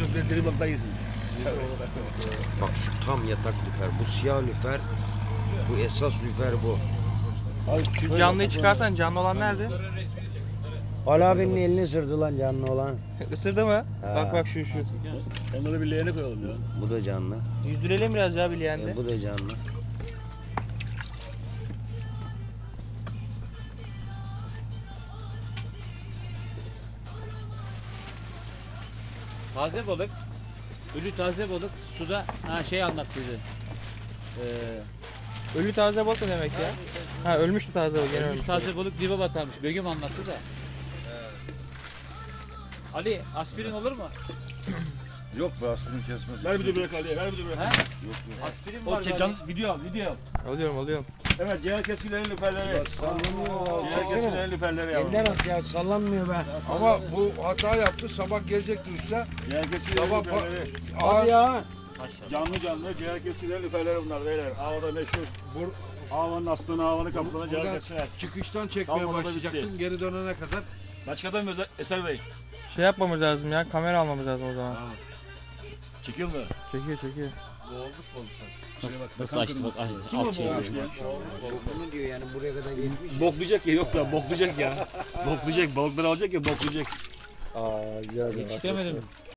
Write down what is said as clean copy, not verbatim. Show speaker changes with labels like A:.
A: çok diri balıklar yesin.
B: Bak şu tam yatak lüfer. Bu siyah lüfer. Bu esas lüfer bu.
C: Şu canlıyı çıkarsan canlı olan nerede?
D: Ali abinin elini ısırdı lan canlı olan.
C: Isırdı mı?
D: Ha.
C: Bak bak şu.
A: Onları bir leğene koyalım ya.
D: Bu da canlı.
C: Yüzdürelim biraz ya bileğende.
D: Bu da canlı.
A: Taze balık. Ölü taze balık suda şey anlattıydı.
C: Ölü taze balık mı demek ya? Ha ölmüştü taze balık. Gene
A: Ölmüş
C: ölmüş.
A: taze balık dibe batarmış. Begüm anlattı da. Ali aspirin olur mu?
E: Yok be aspirin kesmez.
A: Ver bir de bırak Ali'ye, ver bir de bırak. He?
E: Yok yok.
A: Aspirin var. Video al, video al.
C: Alıyorum.
A: Evet, ciğer kesilerin lüferleri.
D: Sallanmıyor.
A: Ciğer kesilerin lüferleri yavrum.
D: Elinden at ya sallanmıyor be.
E: Ama bu hata yaptı. Sabah gelecekti usta.
A: Ciğer kesilerin
E: Sabah
A: lüferleri.
D: Hadi ya.
A: Canlı ciğer kesilerin lüferleri bunlar beyler. Avada meşhur. Havanın aslını, havanı kaplanı ciğer
E: Buradan
A: kesiler.
E: çıkıştan çekmeye
A: Kalmadı da
E: başlayacaktın.
A: bitti.
E: Geri dönene kadar.
A: Başkadan mı Eser Bey?
C: Şey yapmamız lazım ya. Kamera almamız lazım o zaman.
A: Tamam. Çekiyor mu?
C: Çekiyor.
A: Nasıl açtı bak. Kim o boğulmuş ya?
D: Bunu diyor yani buraya kadar gelmiş.
A: Boklayacak ya, yok ya boklayacak ya. Boklayacak, balıkları alacak ya boklayacak.
D: Aa güzel.
A: Yetiştiremedim.